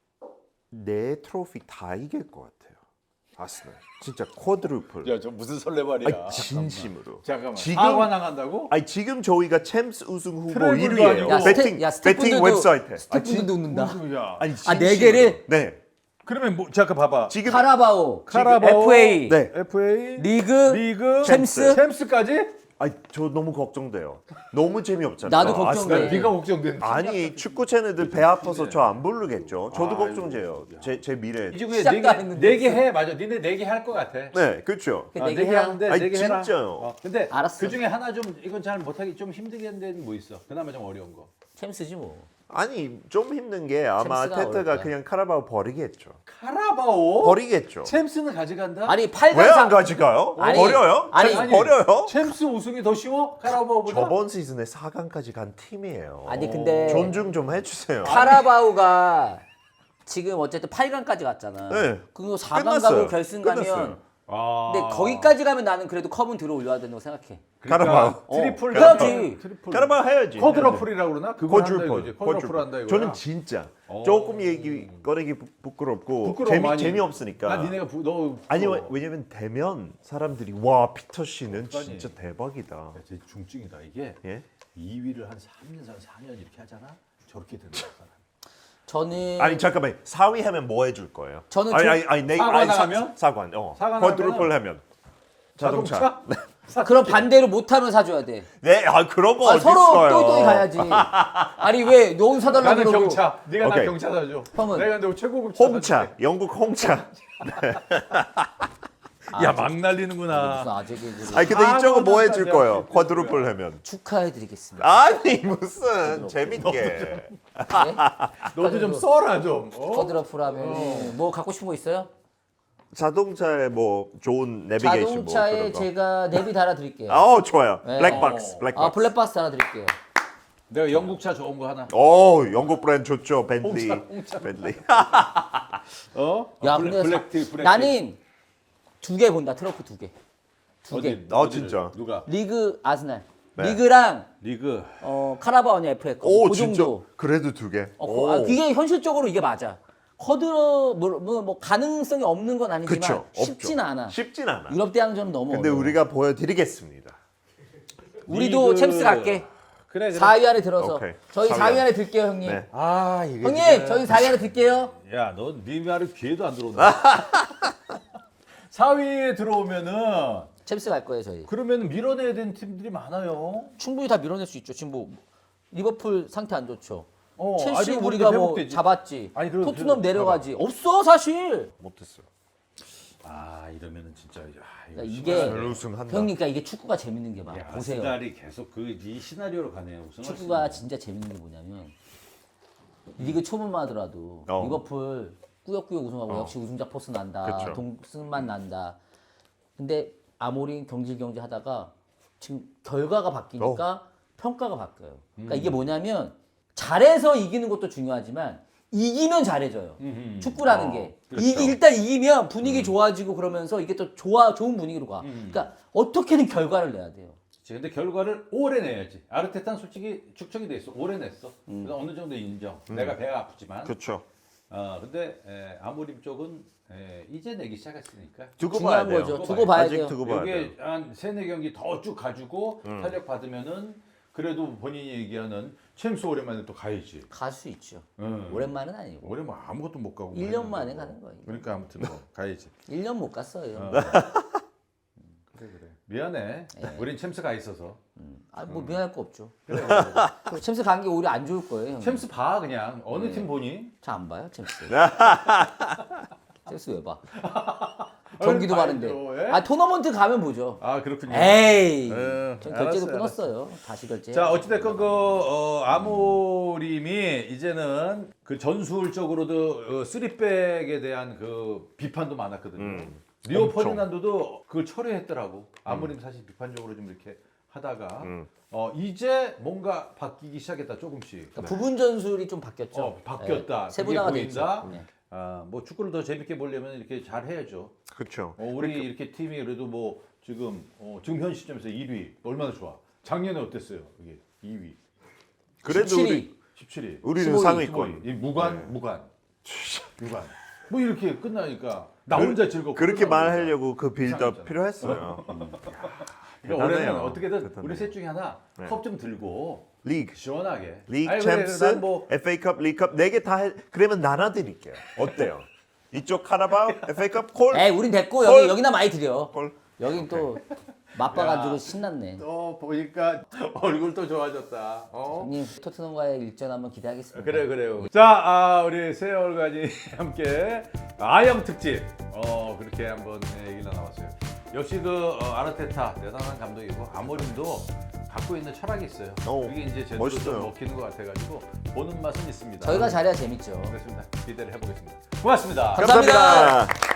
Speaker 2: 내 트로피 다 이길 것 같아요. 아스널 진짜 쿼드루플.
Speaker 1: 야, 저 무슨 설레발이야.
Speaker 2: 아니 진심으로.
Speaker 1: 잠깐만.
Speaker 2: 지금
Speaker 1: 사과 나간다고?
Speaker 2: 아니 지금 저희가 챔스 우승 후보
Speaker 1: 트래블도
Speaker 2: 일 위예요.
Speaker 1: 아니고.
Speaker 3: 야,
Speaker 2: 배팅
Speaker 3: 스태, 야
Speaker 2: 배팅
Speaker 3: 스태프분들도
Speaker 2: 웹사이트. 아,
Speaker 3: 스태프분들도 웃는다.
Speaker 1: 무슨 야.
Speaker 2: 아니
Speaker 3: 아, 네
Speaker 2: 진심으로.
Speaker 3: 개를?
Speaker 2: 네.
Speaker 1: 그러면 뭐 잠깐 봐봐.
Speaker 2: 지금
Speaker 3: 카라바오,
Speaker 1: 카라바오,
Speaker 3: 에프에이,
Speaker 2: 네.
Speaker 1: 에프에이,
Speaker 3: 리그,
Speaker 1: 리그,
Speaker 3: 챔스?
Speaker 1: 챔스까지?
Speaker 2: 아니 저 너무 걱정돼요. 너무 재미없잖아요.
Speaker 3: 나도 걱정돼.
Speaker 2: 아스널.
Speaker 1: 네가 걱정되는.
Speaker 2: 아니 축구 채널들 배 아파서 저 안 부르겠죠. 저도
Speaker 1: 아이고,
Speaker 2: 걱정돼요. 제 제 미래.
Speaker 1: 이제
Speaker 3: 시작도 안 했는데
Speaker 1: 네개 해. 맞아. 니네 네 개 할 것 같아.
Speaker 2: 네, 그렇죠.
Speaker 3: 네
Speaker 1: 아,
Speaker 3: 개
Speaker 1: 네개
Speaker 3: 해라.
Speaker 1: 하는데
Speaker 2: 아니,
Speaker 1: 네 개 해라.
Speaker 2: 진짜요.
Speaker 1: 어, 근데
Speaker 3: 알았어.
Speaker 1: 그 중에 하나 좀 이건 잘 못하기 좀 힘들게 된 뭐 있어. 그나마 좀 어려운 거.
Speaker 3: 챔스지 뭐.
Speaker 2: 아니 좀 힘든 게 아마
Speaker 3: 챔스가 어려울
Speaker 2: 테트가
Speaker 3: 거야.
Speaker 2: 그냥 카라바오 버리겠죠.
Speaker 1: 카라바오?
Speaker 2: 버리겠죠.
Speaker 1: 챔스는 가져간다?
Speaker 3: 아니 팔
Speaker 2: 왜
Speaker 3: 강
Speaker 2: 안 가져가요?
Speaker 3: 아니,
Speaker 2: 버려요?
Speaker 3: 아니,
Speaker 2: 챔스
Speaker 1: 아니,
Speaker 2: 버려요?
Speaker 1: 챔스 우승이 더 쉬워? 카라바오보다?
Speaker 2: 저번 시즌에 사 강까지 간 팀이에요.
Speaker 3: 아니 근데
Speaker 2: 존중 좀 해주세요.
Speaker 3: 카라바오가 지금 어쨌든 팔 강까지 갔잖아.
Speaker 2: 네.
Speaker 3: 그거 사 강
Speaker 2: 끝났어요.
Speaker 3: 가고 결승 가면
Speaker 2: 끝났어요.
Speaker 1: 아.
Speaker 3: 근데 거기까지 가면 나는 그래도 컵은 들어 올려야 된다고 생각해.
Speaker 2: 카라바오.
Speaker 3: 어,
Speaker 1: 트리플
Speaker 3: 해야지.
Speaker 1: 트리플.
Speaker 2: 카라바오 해야지.
Speaker 1: 쿼드러플이라고 그러나? 그거 한다
Speaker 2: 쿼드루플.
Speaker 1: 이거지. 쿼드러플 한다 이거야.
Speaker 2: 저는 진짜
Speaker 1: 어.
Speaker 2: 조금 얘기 꺼내기 부- 부끄럽고
Speaker 1: 부끄러워,
Speaker 2: 재미
Speaker 1: 많이.
Speaker 2: 재미없으니까.
Speaker 1: 아, 니네가 부, 너
Speaker 2: 아니
Speaker 1: 부러워.
Speaker 2: 왜냐면 대면 사람들이 와 피터 씨는
Speaker 1: 그러니까.
Speaker 2: 진짜 대박이다.
Speaker 1: 야, 쟤 중증이다. 이게
Speaker 2: 예?
Speaker 1: 이 위를 한 삼 년, 사 년 이렇게 하잖아. 저렇게 되는 거야. 사람.
Speaker 3: 저는
Speaker 2: 아니 잠깐만 사 위 하면 뭐 해줄 거예요?
Speaker 3: 저는
Speaker 2: 아니
Speaker 3: 저-
Speaker 2: 아니 아니 내
Speaker 1: 사관
Speaker 2: 아니, 사-
Speaker 1: 하면?
Speaker 2: 사관 어
Speaker 1: 사관
Speaker 2: 쿼드루플 하면 자동차.
Speaker 3: 그럼 반대로 못하면 사줘야 돼.
Speaker 2: 네, 아 그런 거
Speaker 3: 아,
Speaker 2: 어디
Speaker 3: 서로
Speaker 2: 있어요?
Speaker 3: 또이또이 가야지. 아니 왜 너무 사달라고
Speaker 1: 나는
Speaker 3: 그러고
Speaker 1: 경차. 네가 나
Speaker 2: 오케이.
Speaker 1: 경차 사줘.
Speaker 3: 형은?
Speaker 1: 내가 근데 최고급 차
Speaker 2: 홍차,
Speaker 1: 사줄게.
Speaker 2: 영국 홍차.
Speaker 1: 야, 막 날리는구나.
Speaker 3: 무슨 아재 개그를
Speaker 2: 아니 근데
Speaker 1: 아,
Speaker 2: 이쪽은 뭐
Speaker 1: 뭐
Speaker 2: 해줄
Speaker 1: 내가
Speaker 2: 거예요?
Speaker 1: 그랬을
Speaker 2: 쿼드루플 하면.
Speaker 3: 축하해드리겠습니다.
Speaker 2: 아니 무슨 재밌게.
Speaker 3: 네?
Speaker 1: 너도 좀 써라 좀. 어?
Speaker 3: 쿼드러플 하면 뭐 갖고 싶은 거 있어요?
Speaker 2: 자동차에 뭐 좋은 내비게이션 뭐
Speaker 3: 자동차에
Speaker 2: 그런 거.
Speaker 3: 제가 내비 달아드릴게요.
Speaker 2: 아, 좋아요.
Speaker 3: 네.
Speaker 2: 블랙박스,
Speaker 1: 어.
Speaker 2: 블랙박스.
Speaker 3: 아 블랙박스 달아드릴게요.
Speaker 1: 내가 영국차 좋은 거 하나.
Speaker 2: 오, 영국 브랜드 좋죠. 벤tley.
Speaker 1: 홍차, 홍차.
Speaker 2: 벤tley.
Speaker 1: 어?
Speaker 3: 야
Speaker 1: 아, 블랙,
Speaker 3: 근데
Speaker 1: 블랙
Speaker 3: 사-
Speaker 1: 티, 블랙 티.
Speaker 3: 나는 두 개 본다. 트로피 두 개. 두 개.
Speaker 1: 어디?
Speaker 2: 아,
Speaker 1: 어디를?
Speaker 2: 진짜?
Speaker 1: 누가?
Speaker 3: 리그 아스날.
Speaker 2: 네.
Speaker 3: 리그랑
Speaker 1: 리그.
Speaker 3: 어, 카라바오 아니야 에프에이 컵.
Speaker 2: 오,
Speaker 3: 그
Speaker 2: 진짜.
Speaker 3: 정도.
Speaker 2: 그래도 두 개.
Speaker 3: 어,
Speaker 2: 오.
Speaker 3: 그- 아, 그게 현실적으로 이게 맞아. 쿼드 뭐, 뭐, 뭐 가능성이 없는 건 아니지만
Speaker 2: 그쵸.
Speaker 3: 쉽진
Speaker 2: 없죠.
Speaker 3: 않아.
Speaker 2: 쉽진 않아.
Speaker 3: 유럽 대항전은 너무
Speaker 2: 근데
Speaker 3: 어려워.
Speaker 2: 우리가 보여드리겠습니다.
Speaker 3: 우리도
Speaker 1: 리그.
Speaker 3: 챔스 갈게.
Speaker 1: 그래, 그래.
Speaker 3: 사 위 안에 들어서.
Speaker 2: 오케이.
Speaker 3: 저희
Speaker 2: 사 위
Speaker 3: 사 위
Speaker 2: 안에.
Speaker 3: 안에 들게요, 형님.
Speaker 2: 네.
Speaker 1: 아, 이게.
Speaker 3: 형님,
Speaker 1: 진짜-
Speaker 3: 저희 사 위 안에 들게요.
Speaker 1: 야, 넌네 말을 귀에도 안 들어온다. 사 위에 들어오면은
Speaker 3: 챔스 갈 거예요, 저희.
Speaker 1: 그러면 밀어내야 되는 팀들이 많아요.
Speaker 3: 충분히 다 밀어낼 수 있죠. 지금 뭐 리버풀 상태 안 좋죠.
Speaker 1: 어,
Speaker 3: 첼시
Speaker 1: 아니, 리버풀
Speaker 3: 우리가 뭐
Speaker 1: 회복되지.
Speaker 3: 잡았지.
Speaker 1: 아니, 그래도
Speaker 3: 토트넘
Speaker 1: 회복-
Speaker 3: 내려가지. 없어 사실.
Speaker 2: 못했어.
Speaker 1: 아, 이러면은 진짜 야, 이거
Speaker 3: 그러니까 이게
Speaker 2: 별 우승한다.
Speaker 3: 형님, 그러니까 이게 축구가 재밌는 게 봐.
Speaker 1: 야,
Speaker 3: 보세요.
Speaker 1: 아스날이 계속 그 이 시나리오로 가네요. 우승할 수
Speaker 3: 축구가
Speaker 1: 있는.
Speaker 3: 진짜 재밌는 게 뭐냐면 리그 초보만 하더라도
Speaker 2: 어.
Speaker 3: 리버풀 꾸역꾸역 우승하고
Speaker 2: 어.
Speaker 3: 역시 우승자 포스 난다.
Speaker 2: 그쵸.
Speaker 3: 동승만 난다. 근데 아모린 경질경질 하다가 지금 결과가 바뀌니까
Speaker 2: 어.
Speaker 3: 평가가 바뀌어요. 그러니까
Speaker 1: 음.
Speaker 3: 이게 뭐냐면 잘해서 이기는 것도 중요하지만 이기면 잘해져요.
Speaker 1: 음,
Speaker 3: 축구라는
Speaker 2: 어,
Speaker 3: 게
Speaker 2: 그렇죠.
Speaker 3: 이기, 일단 이기면 분위기 좋아지고 그러면서 이게 또 좋아 좋은 분위기로 가.
Speaker 1: 음.
Speaker 3: 그러니까 어떻게든 결과를 내야 돼요.
Speaker 1: 그치, 근데 결과를 오래 내야지. 아르테타는 솔직히 축적이 돼 있어. 오래 냈어.
Speaker 3: 음.
Speaker 1: 그래서 어느 정도 인정. 내가 배가 아프지만.
Speaker 2: 그렇죠.
Speaker 1: 어, 근데 에, 아모림 쪽은 에, 이제 내기 시작했으니까.
Speaker 2: 두고
Speaker 3: 중요한
Speaker 2: 봐야 돼요.
Speaker 3: 거죠. 두고 봐야
Speaker 2: 아직
Speaker 3: 돼요.
Speaker 2: 두고 봐야 돼요.
Speaker 1: 여기에 한 세네 경기 더 쭉 가지고 탄력 받으면은 그래도 본인이 얘기하는 챔스 오랜만에 또 가야지.
Speaker 3: 갈 수 있죠.
Speaker 1: 응.
Speaker 3: 오랜만은 아니고
Speaker 1: 올해 뭐 아무것도 못 가고.
Speaker 3: 일 년
Speaker 1: 했는데
Speaker 3: 만에
Speaker 1: 뭐.
Speaker 3: 가는 거예요.
Speaker 1: 그러니까 아무튼 뭐 가야지.
Speaker 3: 일 년 못 갔어요.
Speaker 1: 어. 그래 그래. 미안해. 우린 챔스 가 있어서.
Speaker 3: 아, 뭐 미안할 거 없죠.
Speaker 1: 그래, 그래, 그래.
Speaker 3: 그 챔스 간 게 오히려 안 좋을 거예요. 형.
Speaker 1: 챔스 봐 그냥 어느 팀 보니?
Speaker 3: 잘안 봐요, 챔스.
Speaker 2: 네.
Speaker 3: 챔스 왜 봐? 경기도
Speaker 1: 아유,
Speaker 3: 많은데.
Speaker 1: 봐야죠, 예?
Speaker 3: 아, 토너먼트 가면 보죠.
Speaker 1: 아 그렇군요.
Speaker 3: 에이.
Speaker 1: 어,
Speaker 3: 전
Speaker 1: 알았어요,
Speaker 3: 결제도 끊었어요. 다시 결제.
Speaker 1: 자 어찌됐건 그 어, 아모림이 이제는 그 전술적으로도 어, 쓰리백에 대한 그 비판도 많았거든요.
Speaker 2: 음,
Speaker 1: 리오
Speaker 2: 엄청.
Speaker 1: 퍼디난도도 그걸 철회했더라고. 아모림 사실 비판적으로 좀 이렇게 하다가
Speaker 2: 음.
Speaker 1: 어, 이제 뭔가 바뀌기 시작했다 조금씩.
Speaker 3: 그러니까 부분 전술이 좀 바뀌었죠.
Speaker 1: 어, 바뀌었다.
Speaker 3: 네, 세분화가
Speaker 1: 그게
Speaker 3: 됐죠.
Speaker 1: 보인다.
Speaker 3: 네.
Speaker 1: 아, 뭐 축구를 더 재밌게 보려면 이렇게 잘 해야죠.
Speaker 2: 그렇죠.
Speaker 1: 어, 우리 이렇게 팀이 그래도 뭐 지금 어, 지금 현 시점에서 일 위 얼마나 좋아. 작년에 어땠어요? 이게 이 위.
Speaker 2: 그래도
Speaker 3: 십칠 위.
Speaker 2: 우리
Speaker 1: 십칠 위.
Speaker 2: 우리는
Speaker 3: 십오 위,
Speaker 2: 상위권.
Speaker 1: 이 무관
Speaker 2: 네.
Speaker 1: 무관 무관. 뭐 이렇게 끝나니까 나 혼자 즐겁고
Speaker 2: 그렇게
Speaker 1: 끝나고
Speaker 2: 말하려고 그 빌드업
Speaker 1: 이상했잖아.
Speaker 2: 필요했어요.
Speaker 1: 그러니까 올해는
Speaker 2: 대단해요.
Speaker 1: 어떻게든
Speaker 2: 대단해요.
Speaker 1: 우리 셋 중에 하나
Speaker 2: 네.
Speaker 1: 컵 좀 들고
Speaker 2: 리그,
Speaker 1: 시원하게.
Speaker 2: 리그,
Speaker 1: 아니, 그래,
Speaker 2: 챔스,
Speaker 1: 난 뭐
Speaker 2: 에프에이컵, 리그컵 네 개 다 해. 그러면 나눠드릴게요. 어때요? 이쪽 카라바오, 에프에이컵, 콜,
Speaker 3: 에이, 우린 됐고
Speaker 2: 헐.
Speaker 3: 여기 여기나 많이 드려.
Speaker 2: 콜.
Speaker 3: 여긴 또 맛봐가지고
Speaker 1: 야.
Speaker 3: 신났네.
Speaker 1: 또 보니까 얼굴도 좋아졌다. 어?
Speaker 3: 형님 토트넘과의 일전 한번 기대하겠습니다.
Speaker 1: 그래 그래요. 자, 아, 우리 세월간이 함께 아영 특집 어 그렇게 한번 얘기를 나눠봤어요. 역시 그 어, 아르테타 대단한 감독이고 아모림도 갖고 있는 철학이 있어요.
Speaker 2: 오,
Speaker 1: 그게 이제 제대로
Speaker 2: 멋있어요.
Speaker 1: 좀 먹히는 것 같아가지고 보는 맛은 있습니다.
Speaker 3: 저희가 잘해야 재밌죠.
Speaker 1: 그렇습니다. 기대를 해보겠습니다. 고맙습니다.
Speaker 3: 감사합니다.
Speaker 2: 감사합니다.